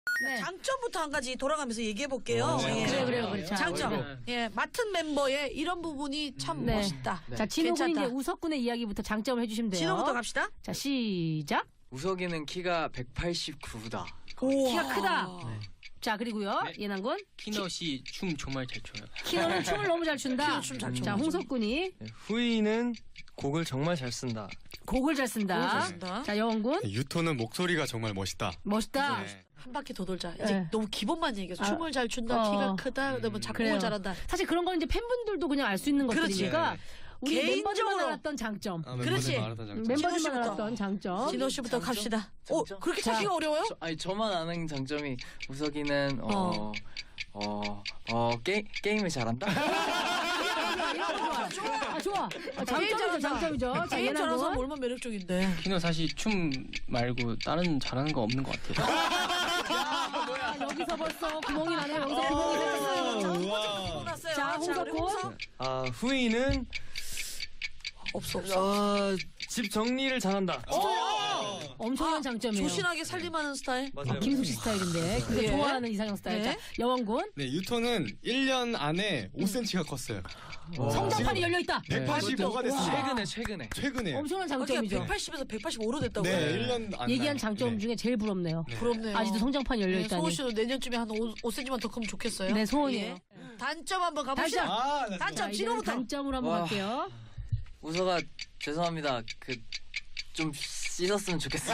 네. 장점부터 한 가지 돌아가면서 얘기해 볼게요. 네. 그래. 자, 장점. 네. 예, 맡은 멤버의 이런 부분이 참 네. 멋있다. 자, 진호 군이 괜찮다. 이제 우석군의 이야기부터 장점을 해주시면 돼요. 진호부터 갑시다. 자, 시작. 우석이는 키가 189다. 키가 크다. 자, 그리고요. 네. 예난군. 키너 씨 춤 정말 잘 춰요. 키노는 춤을 너무 잘 춘다. 키노 춤잘 춰. 자, 홍석군이 후이는 곡을 정말 잘 쓴다. 곡을 잘 쓴다. 곡을 잘 쓴다. 자, 여원군. 유토는 목소리가 정말 멋있다. 멋있다. 네. 한 바퀴 더 돌자. 이제 네. 너무 기본만 얘기해서 아, 춤을 잘 춘다, 키가 어. 크다, 그다음에 작곡을 그래요. 잘한다. 사실 그런 건 이제 팬분들도 그냥 알 수 있는 그렇지. 것들이니까 우리 멤버들만 개인적으로. 알았던 장점. 그렇지. 멤버들만 씨부터. 알았던 장점. 진호 씨부터 갑시다. 장점? 그렇게 자. 찾기가 어려워요? 저만 아는 장점이 우석이는 게임을 잘한다. 좋아. 장점이죠, 장점이죠. 자, 게임 잘해서 예난군. 얼마나 매력적인데. 키너 사실 춤 말고 다른 잘하는 거 없는 것 같아요. 아, 여기서 벌써 구멍이 나네요. 여기서 구멍이 생겼어요. 났어요. 자, 홍석군. 후이는 없어. 집 정리를 잘한다. 엄청난 장점이에요. 조신하게 살림하는 스타일. 맞아요. 김숙 씨 스타일인데 근데 예. 좋아하는 이상형 스타일. 네. 자, 여원군. 네, 유토는 1년 안에 5cm가 컸어요. 성장판이 열려 있다. 185가 됐어요. 최근에. 최근에. 엄청난 그러니까 장점이죠. 180에서 185로 됐다고요? 네, 1년 안에. 얘기한 장점 네. 중에 제일 부럽네요. 부럽네요. 아직도 성장판이 열려 네, 있다니. 소호 씨도 내년쯤에 한 5cm만 더 크면 좋겠어요. 네, 소원이에요. 예. 단점 한번 가봅시다. 단점. 아, 네. 단점 자, 이제는 진호부터. 단점으로 한번 와. 갈게요. 우석아 죄송합니다. 좀 씻었으면 좋겠어요.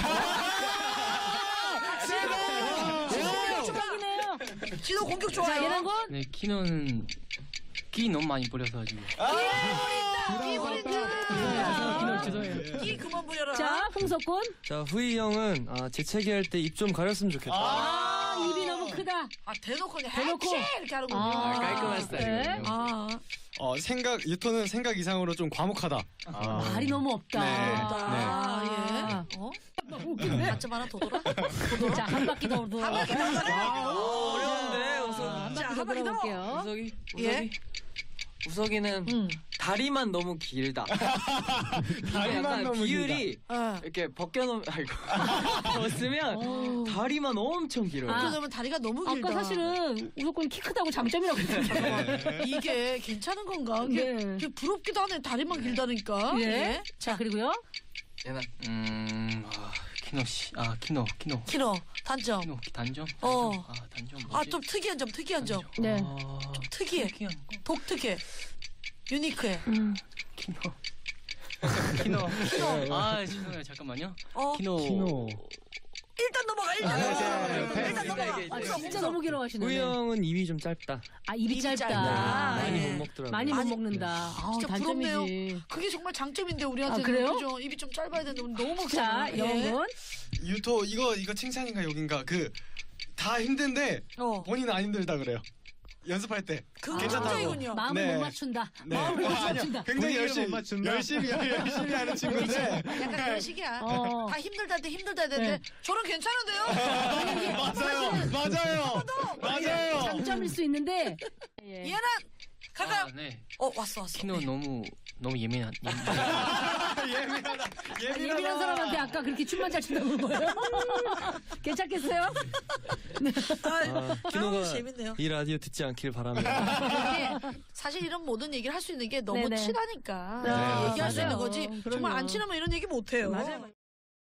추박이네요. 진호 공격 자, 좋아요. 예난군. 네, 키너는 끼 너무 많이 뿌려서 지금. 끼 부린다. 키너 죄송해요. 끼 그만 부려라. 자, 홍석군. 자, 후이 형은 재채기 할 때 입 좀 가렸으면 좋겠다. 입이 너무 크다. 대놓고 그냥 대놓고. 해치 이렇게 하는군요. 깔끔한 네. 스타일이거든요. 유토는 생각 이상으로 좀 과묵하다. 말이 너무 없다. 예. 단점 하나 더 돌아? 자, 한 바퀴 더 돌아. 어려운데 한 자, 바퀴 더 한 바퀴 더. 돌아볼게요. 예? 우석이는 다리만 너무 길다. 다리만 약간 너무 비율이 어. 이렇게 벗겨놓으면 벗으면 다리만 엄청 길어요. 아. 그러면 다리가 너무 길다. 아까 사실은 우석군 키 크다고 장점이라고 했잖아요. 이게 괜찮은 건가? 이게 네. 부럽기도 하네. 다리만 길다니까. 예. 자, 그리고요. 얘는 키너 씨, 키너 키노 단점. 단점? 어. 단점 뭐지? 좀 특이한 점, 특이한 점. 네. 좀 특이해. 특이한 거. 독특해. 유니크해. 키너. 죄송해요. 잠깐만요. 키너. 일단 넘어가. 일단 넘어가. 아, 진짜 너무 길어하시네. 후이 형은 입이 좀 짧다. 입이 짧다. 짧다. 많이 예. 못 먹더라고요. 많이 못 많이- 먹는다. 아우, 진짜 단점이지. 부럽네요. 그게 정말 장점인데 우리한테는. 아, 그래요? 그죠? 입이 좀 짧아야 되는데 우리 너무 자, 크잖아요. 여원군. 유토 이거 칭찬인가 욕인가? 다 힘든데 어. 본인은 안 힘들다 그래요. 연습할 때. 그거 괜찮다고. 굉장히군요. 마음을 네. 못 맞춘다. 네. 마음을 못 아니야, 맞춘다. 굉장히 분위기를 못 맞춘다. 열심히 하는 친구인데. 약간 그런 식이야. 어. 다 힘들다 할 때 힘들다 해야 되는데 네. 저는 괜찮은데요? 맞아요. 장점일 수 있는데. 예. 얘는 가가. 네. 왔어. 키너 너무 예민한. 예민한 사람한테 아까 그렇게 춤만 잘 춘다고 한 거예요? 괜찮겠어요? 키노가 재밌네요. 이 라디오 듣지 않길 바랍니다. 이게 사실 이런 모든 얘기를 할 수 있는 게 너무 네네. 친하니까 네, 얘기할 수 있는 맞아요. 거지. 그럼요. 정말 안 친하면 이런 얘기 못 해요. 맞아요.